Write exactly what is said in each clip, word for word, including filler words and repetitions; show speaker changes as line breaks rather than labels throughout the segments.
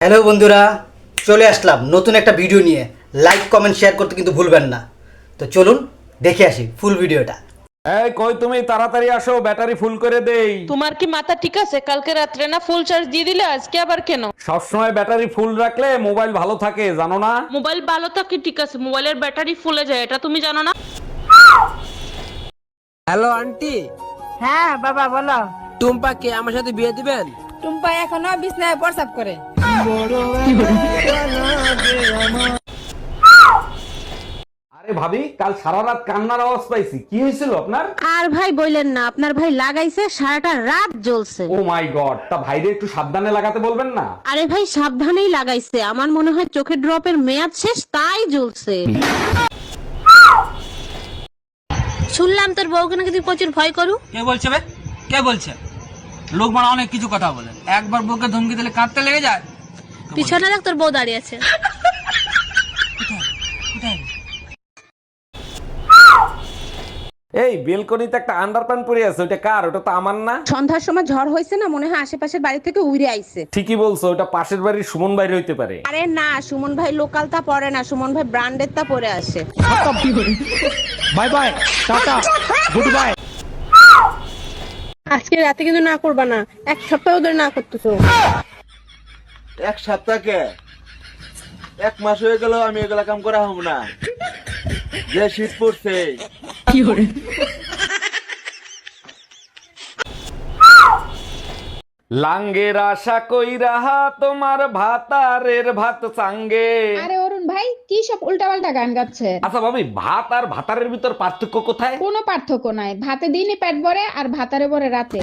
Hello বন্ধুরা, চলে আসলাম নতুন একটা ভিডিও নিয়ে। লাইক কমেন্ট শেয়ার করতে কিন্তু ভুলবেন না। তো চলুন দেখে আসি ফুল ভিডিওটা।
এই কই তুমি তাড়াতাড়ি আসো, ব্যাটারি ফুল করে দেই।
তোমার কি মাথা ঠিক আছে? কালকে রাত্রে না ফুল চার্জ দিয়ে দিলে, আজকে আবার কেন?
সবসময় ব্যাটারি ফুল রাখলে মোবাইল ভালো থাকে, জানো না?
মোবাইল ভালো থাকে ঠিক আছে, মোবাইলের ব্যাটারি ফুলে যায়, এটা তুমি জানো না?
Hello aunty.
হ্যাঁ বাবা বলো।
টুম্পাকে আমার সাথে বিয়ে দিবেন?
টুম্পা এখনো বিছনায় প্রসাব করে।
আরে ভাবি, কাল সারা রাত কান্নার আওয়াজ পাইছি, কি হয়েছিল আপনার?
আর ভাই বললেন না, আপনার ভাই লাগাইছে সারাটা রাত জ্বলছে।
ও মাই গড, তা ভাইরে একটু সাবধানে লাগাতে বলবেন না?
আরে ভাই সাবধানেই লাগাইছে, আমার মনে হয় চোখের ড্রপের মেয়াদ শেষ তাই জ্বলছে। শুনলাম তোর বউকে নাকি তুই প্রচুর ভয় করু।
কে বলছে বে? কে বলছে? লোক মানে অনেক কিছু কথা বলে, একবার বউকে ধমকি দিলে কাঁদতে লেগে যায়।
পিছনে দেখ তোর বউ দাঁড়িয়ে আছে।
এই বেলকনিতে একটা আন্ডারপ্যান্ট পরে আছে, ওটা কার? ওটা তো আমার না।
সন্ধ্যার সময় ঝড় হয়েছে না, মনে হয় আশেপাশের বাড়ি থেকে উড়ে আইছে।
ঠিকই বলছো, ওটা পাশের বাড়ির সুমন বাইরে হইতে পারে।
আরে না, সুমন ভাই লোকাল তা পরে না, সুমন ভাই ব্র্যান্ডের তা পরে আসে।
Bye bye, tata, good bye.
আজকে রাতে কিন্তু না করবা না, এক সপ্তাহ ধরে না করতেছো।
এক সপ্তাহকে এক মাস হয়ে গেল আমি এগুলা কাম করা হব না। যে শীত পড়ছে
লাঙ্গের আশা কইরা তোমার ভাতারের ভাত চাঙ্গে।
আরে অরুণ ভাই কি সব উল্টাপাল্টা গান গাচ্ছে?
আচ্ছা ভাবি, ভাত আর ভাতারের ভিতর পার্থক্য কোথায়?
কোনো পার্থক্য নাই, ভাতে দিনই পেট ভরে আর ভাতারে ভরে রাতে।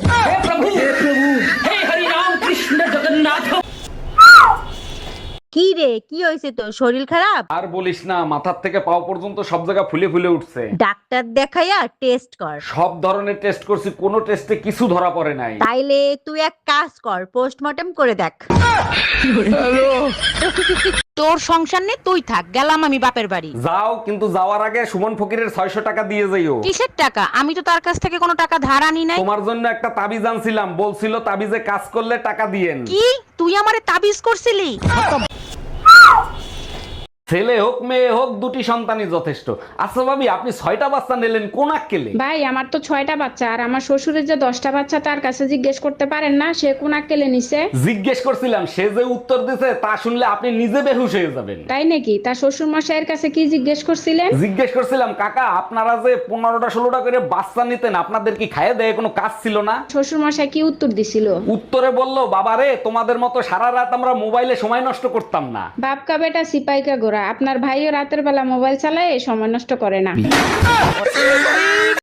কি রে, কি হয়েছে তোর? শরীর খারাপ?
আর বলিস না, মাথার থেকে পাও পর্যন্ত সব জায়গা ফুলে ফুলে উঠছে।
ডাক্তার দেখাইয়া টেস্ট কর।
সব ধরনের টেস্ট করছি, কোনো টেস্টে কিছু ধরা পড়ে নাই।
তাইলে তুই এক কাজ কর, পোস্টমর্টেম করে দেখ। তোর সংসার নে, তুই থাক, গেলাম আমি বাপের বাড়ি।
যাও, কিন্তু যাওয়ার আগে সুমন ফকিরের ছয়শো টাকা দিয়ে যাইও।
কিসের টাকা? আমি তো তার কাছ থেকে কোনো টাকা ধার আনি নাই।
তোমার জন্য একটা তাবিজ আনছিলাম, বলছিল তাবিজে কাজ করলে টাকা দিয়েন।
কি তুই আমারে তাবিজ করছিলি?
ছেলে হোক মেয়ে হোক, দুটি সন্তানই যথেষ্ট। আচ্ছা ভাবি, আপনি ছয়টা বাচ্চা নিলেন কোন আক্কেলে?
ভাই আমার তো ছয়টা বাচ্চা, আর আমার শ্বশুরের যে দশটা বাচ্চা তার কাছে জিজ্ঞেস করতে পারেন না সে কোন আক্কেলে নিছে?
জিজ্ঞেস করছিলাম, সে যে উত্তর দিছে তা শুনলে আপনি নিজে বেহুশ হয়ে যাবেন।
তাই নাকি? তার শ্বশুর মশাইয়ের কাছে কি জিজ্ঞেস করছিলেন?
জিজ্ঞেস করছিলাম, কাকা আপনারা যে পনেরোটা ষোলোটা করে বাচ্চা নিতেন, আপনাদের কি খাইয়ে দেয় কোনো কাজ ছিল না?
শ্বশুর মশাই কি উত্তর দিছিল?
উত্তরে বললো, বাবারে তোমাদের মতো সারা রাত আমরা মোবাইলে সময় নষ্ট করতাম না।
বাপকা বেটা সিপাইকা গোরা, আপনার ভাইও রাতের বেলা মোবাইল চালায়, সময় নষ্ট করে না।